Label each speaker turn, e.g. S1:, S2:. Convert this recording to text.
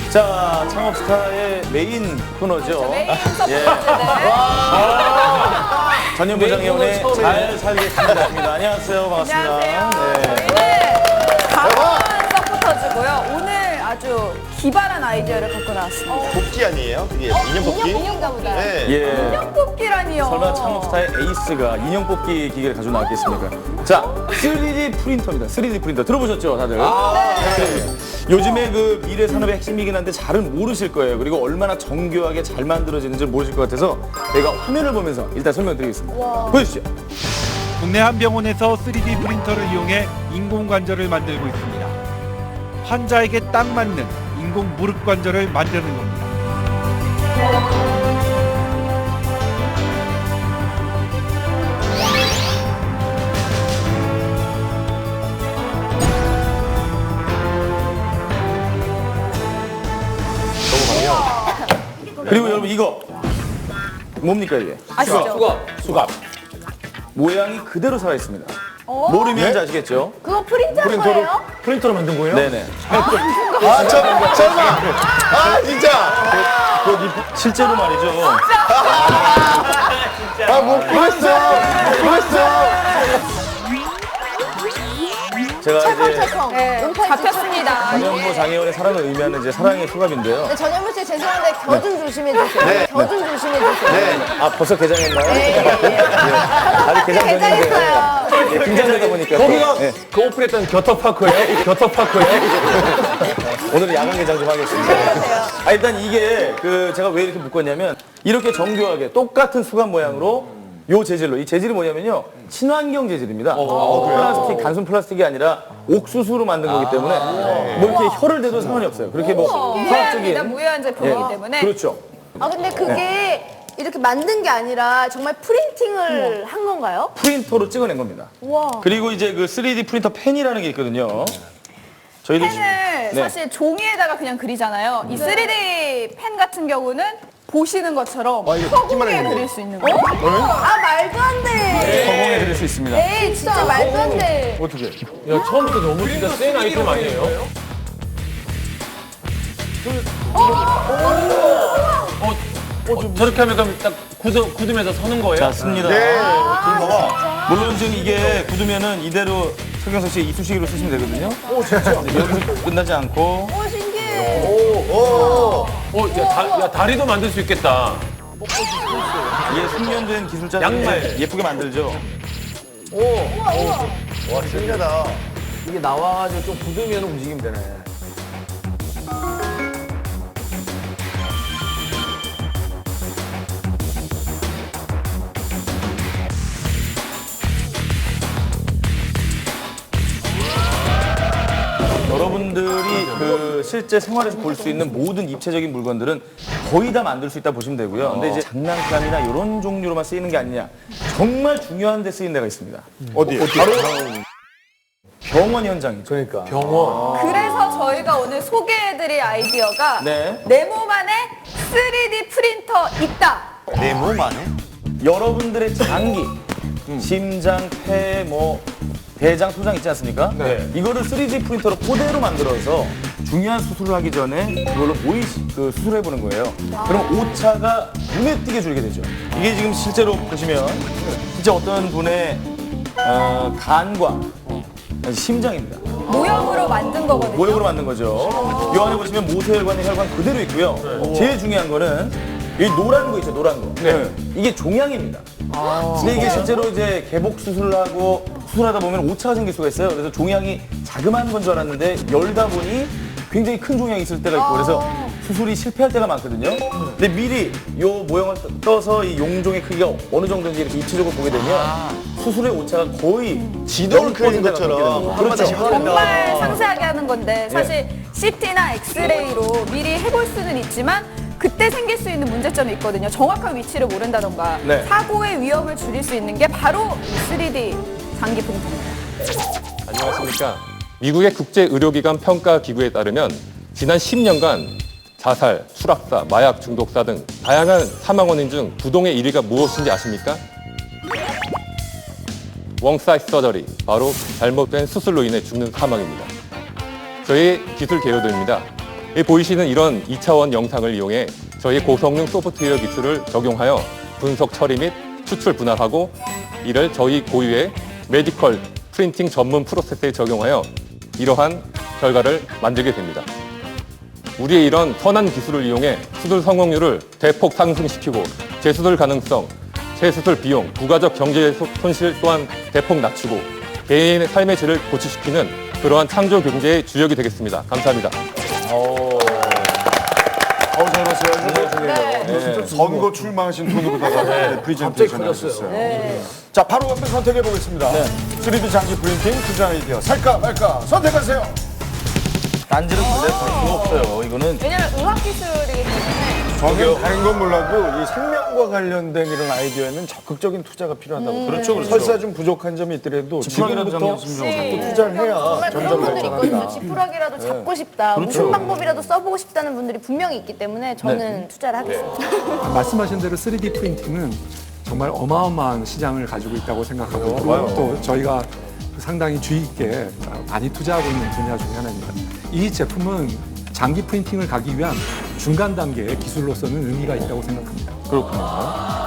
S1: 자, 창업스타의 메인 코너죠.
S2: 메인 서포트.
S1: 예. 전현부장의 오늘 잘 살겠습니다. 안녕하세요. 반갑습니다.
S2: 안녕하세요.
S1: 네.
S2: 저희는 강원 서포터즈고요. 오늘 아주 기발한 아이디어를 갖고 나왔습니다.
S3: 뽑기 아니에요? 그게 인형 뽑기?
S4: 인형인가 보다.
S3: 네.
S1: 예.
S2: 인형 뽑기라니요.
S1: 설마 창업스타의 에이스가 인형 뽑기 기계를 가지고 나왔겠습니까? 자, 3D 프린터입니다. 3D 프린터 들어보셨죠, 다들? 네. 요즘에 그 미래 산업의 핵심이긴 한데 잘은 모르실 거예요. 그리고 얼마나 정교하게 잘 만들어지는지 모르실 것 같아서 저희가 화면을 보면서 일단 설명드리겠습니다. 보여주시죠.
S5: 국내 한 병원에서 3D 프린터를 이용해 인공관절을 만들고 있습니다. 환자에게 딱 맞는 인공 무릎 관절을 만드는 겁니다.
S1: 그리고 여러분 이거 뭡니까 이게?
S2: 아시죠?
S1: 수갑. 모양이 그대로 살아 있습니다. 모르면 아시겠죠?
S4: 그거 프린트한 거예요?
S1: 프린터로 만든 거예요? 네네.
S3: 설마. 아, 진짜.
S1: 실제로 말이죠.
S3: 뭐, 그랬어.
S1: 제가 이제
S4: 찰컹찰컹.
S2: 네, 잡혔습니다.
S1: 전현무 장애원의 사랑을 의미하는 이제 사랑의 수갑인데요.
S4: 네, 전현무 씨 죄송한데 겨 좀 조심해주세요. 겨 좀 조심해주세요.
S1: 네. 아 벌써 개장했나요?
S4: 네.
S1: 아직 개장 전인데.
S4: 개장했어요.
S1: 예, 긴장되다 보니까.
S6: 거기가
S1: 예.
S6: 그 오픈했던 겨터파크예요? 겨터파크예요?
S1: 오늘은 야간 개장 좀 하겠습니다. 아, 일단 이게 그 제가 왜 이렇게 묶었냐면 이렇게 정교하게 똑같은 수갑 모양으로 요 재질로, 이 재질이 뭐냐면요 친환경 재질입니다. 플라스틱, 단순 플라스틱이 아니라 옥수수로 만든 거기 때문에 뭐 이렇게 혀를 대도 상관이 없어요. 그렇게 뭐
S2: 무해합니다.
S1: 화학적인
S2: 무해한 제품이기 때문에.
S1: 그렇죠.
S4: 아, 근데 그게 이렇게 만든 게 아니라 정말 프린팅을 한 건가요?
S1: 프린터로 찍어낸 겁니다.
S4: 와.
S1: 그리고 이제 그 3D 프린터 펜이라는 게 있거든요. 저희도
S2: 펜을
S1: 네.
S2: 사실 종이에다가 그냥 그리잖아요. 이 3D 펜 같은 경우는 보시는 것처럼 허공에 그릴 수 있는 거예요.
S4: 아, 말도 안 돼.
S1: 허공에 그릴 수 있습니다.
S4: 에이, 진짜 말도 안 돼.
S6: 어떻게? 야, 처음부터 너무 진짜 센 아이템 아니에요? 저렇게 하면 그럼 딱 굳으면서 서는 거예요?
S1: 자, 씁니다. 물론 지금 이게 굳으면은 이대로 서경석 씨 이쑤시개로 쓰시면 되거든요. 오, 진짜? 여기서 끝나지 않고.
S4: 오, 신기해.
S6: 야, 다리도 만들 수 있겠다.
S1: 이게 숙련된 기술자들이
S6: 양말.
S1: 예쁘게 만들죠.
S3: 와, 신기하다.
S6: 이게 나와가지고 좀 굳으면 움직이면 되네.
S1: 여러분들이 그 실제 생활에서 볼 수 있는 모든 입체적인 물건들은 거의 다 만들 수 있다 보시면 되고요. 근데 이제 장난감이나 이런 종류로만 쓰이는 게 아니냐. 정말 중요한 데 쓰이는 데가 있습니다.
S3: 어디?
S1: 바로 병원 현장이죠.
S6: 그러니까. 병원.
S2: 그래서 저희가 오늘 소개해드릴 아이디어가
S1: 네.
S2: 내 몸 안에 3D 프린터 있다.
S3: 내 몸 안에?
S1: 여러분들의 장기, 심장, 폐, 뭐 대장, 소장 있지 않습니까?
S6: 네.
S1: 이거를 3D 프린터로 그대로 만들어서 중요한 수술을 하기 전에 그걸로 그 수술해 보는 거예요. 그럼 오차가 눈에 띄게 줄게 되죠. 이게 지금 실제로 보시면 진짜 어떤 분의 간과 심장입니다.
S2: 모형으로 만든 거거든요.
S1: 모형으로 만든 거죠. 이 안에 보시면 모세혈관의 혈관 그대로 있고요. 제일 중요한 거는 이 노란 거 있죠, 노란 거. 네. 이게 종양입니다. 근데 이게 실제로 이제 개복 수술을 하고 수술하다 보면 오차가 생길 수가 있어요. 그래서 종양이 자그마한 건 줄 알았는데 열다 보니 굉장히 큰 종양이 있을 때가 있고 그래서 수술이 실패할 때가 많거든요. 근데 미리 요 모형을 떠서 이 용종의 크기가 어느 정도인지 이렇게 입체적으로 보게 되면 수술의 오차가 거의
S3: 지도를 그리는 것처럼.
S1: 그렇죠.
S2: 정말 상세하게 하는 건데 사실 CT나 엑스레이로 미리 해볼 수는 있지만 그때 생길 수 있는 문제점이 있거든요. 정확한 위치를 모른다던가
S1: 네.
S2: 사고의 위험을 줄일 수 있는 게 바로 3D 장기 프린터입니다.
S7: 안녕하십니까. 미국의 국제의료기관 평가기구에 따르면 지난 10년간 자살, 추락사, 마약 중독사 등 다양한 사망 원인 중 부동의 1위가 무엇인지 아십니까? 웡사이즈 서저리, 바로 잘못된 수술로 인해 죽는 사망입니다. 저희 기술 개요들입니다. 이 보이시는 이런 2차원 영상을 이용해 저희 고성능 소프트웨어 기술을 적용하여 분석 처리 및 추출 분할하고 이를 저희 고유의 메디컬 프린팅 전문 프로세스에 적용하여 이러한 결과를 만들게 됩니다. 우리의 이런 선한 기술을 이용해 수술 성공률을 대폭 상승시키고 재수술 가능성, 재수술 비용, 부가적 경제 손실 또한 대폭 낮추고 개인의 삶의 질을 고취시키는 그러한 창조 경제의 주역이 되겠습니다. 감사합니다.
S8: 잘 봤어요. 선거 출마하신 돈으로다가 프리젠테이션 하셨어요. 자, 바로 한번 선택해 보겠습니다. 3D 장기 프린팅 투자 아이디어 살까 말까 선택하세요.
S1: 딴지는 근데 볼 수가 없어요. 이거는
S2: 왜냐면 의학기술이기 때문에
S8: 저는 다른 건 몰라도 이 생명과 관련된 이런 아이디어에는 적극적인 투자가 필요하다고.
S1: 그렇죠.
S8: 설사 좀 부족한 점이 있더라도 지금부터 자꾸 투자를 해야
S4: 정말 그런
S8: 점점
S4: 분들이 있거든요.
S8: 발전한다.
S4: 지푸라기라도 잡고 싶다. 무슨 방법이라도 써보고 싶다는 분들이 분명히 있기 때문에 저는 투자를 하겠습니다.
S9: 말씀하신 대로 3D 프린팅은 정말 어마어마한 시장을 가지고 있다고 생각하고 그리고 또 저희가 상당히 주의 있게 많이 투자하고 있는 분야 중에 하나입니다. 이 제품은 장기 프린팅을 가기 위한 중간 단계의 기술로서는 의미가 있다고 생각합니다.
S8: 그렇구나.